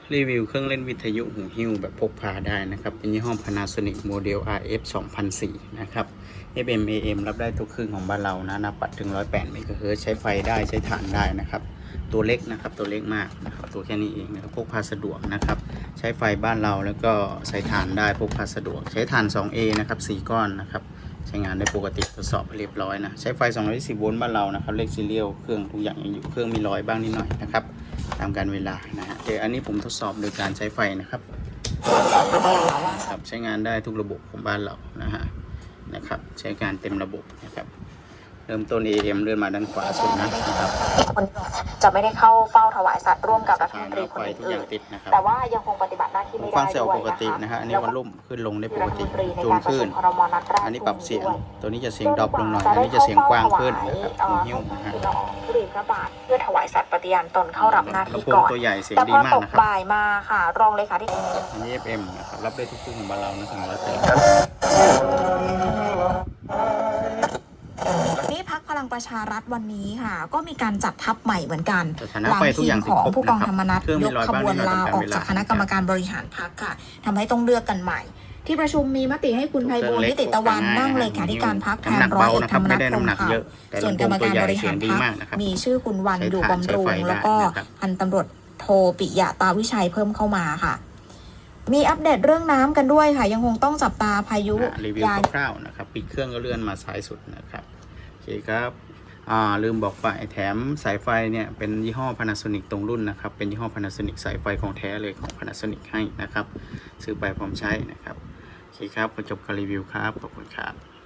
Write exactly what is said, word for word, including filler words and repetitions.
รีวิวเครื่องเล่นวิทยุหูหิ้วแบบพกพาได้นะครับเป็นยี่ห้อ Panasonic โมเดล อาร์ เอฟ สองพันสี่ นะครับ เอฟ เอ็ม เอ เอ็ม รับได้ทุกคลื่นของบ้านเรานะนับปัดถึงหนึ่งร้อยแปดเมกะเฮิรตซ์ ใช้ไฟได้ใช้ถ่านได้นะครับตัวเล็กนะครับตัวเล็กมากนะครับตัวแค่นี้เองนะครับพกพาสะดวกนะครับใช้ไฟบ้านเราแล้วก็ใช้ถ่านได้พกพาสะดวกใช้ถ่าน สอง เอ นะครับสี่ก้อนนะครับใช้งานได้ปกติทดสอบเรียบร้อยนะใช้ไฟสองร้อยยี่สิบโวลต์บ้านเรานะครับเลขซีเรียลเครื่องทุกอย่างยังอยู่เครื่องมีรอยบ้างนิดหน่อยนะครับตามการเวลานะฮะเดี๋ยวอันนี้ผมทดสอบโดยการใช้ไฟนะครับครับใช้งานได้ทุกระบบของบ้านเรานะฮะนะครับใช้การเต็มระบบนะครับเริ่มต้น เอ เอ็ม เลื่อนมาด้านขวาสุดนะครับจะไม่ได้เข้าเฝ้าถวายสัตว์ร่วมกับรัฐมนตรีคนอื่นแต่ว่ายังคงปฏิบัติหน้าที่ไม่ได้ด้วยนะคะอันนี้วันลุ่มขึ้นลงได้ปกติจูนขึ้นอันนี้ปรับเสียงตัวนี้จะเสียงดรอปลงหน่อยอันนี้จะเสียงกว้างขึ้นนะครับหูหิ้วนะฮะทุเรียนพระบาทเพื่อถวายสัตว์ปฏิญาณตนเข้ารับหน้าที่ก่อนตัวใหญ่เสียงดีมากนะครับบ่ายมาค่ะรองเลขาธิการอันนี้ เอฟ เอ็ม นะครับรับได้ทุกคลื่นของบ้านเรานะถึงร้อยแปดนี่พรรคพลังประชารัฐวันนี้ค่ะก็มีการจัดทัพใหม่เหมือนกันหลังทีมของผู้กองธรรมนัสยกขบวนลาออกจากคณะกรรมการบริหารพรรคค่ะทำให้ต้องเลือกกันใหม่ที่ประชุมมีมติให้คุณไพบูลย์นิติตะวันนั่งเลขาธิการพรรคแทนร้อยเอกธรรมนัสพรหมเผ่าส่วนกรรมการบริหารพรรคมีชื่อคุณวันอยู่บำรุงแล้วก็พันตำรวจโทปิยะตาวิชัยเพิ่มเข้ามาค่ะมีอัปเดตเรื่องน้ำกันด้วยค่ะยังคงต้องจับตาพายุรีวิวคร่าวๆนะครับปิดเครื่องก็เลื่อนมาซ้ายสุดนะครับโอเคครับอ่าลืมบอกไปแถมสายไฟเนี่ยเป็นยี่ห้อ Panasonic ตรงรุ่นนะครับเป็นยี่ห้อ Panasonic สายไฟของแท้เลยของ Panasonic ให้นะครับซื้อไปพร้อมใช้นะครับโอเคครับขอจบการรีวิวครับขอบคุณครับ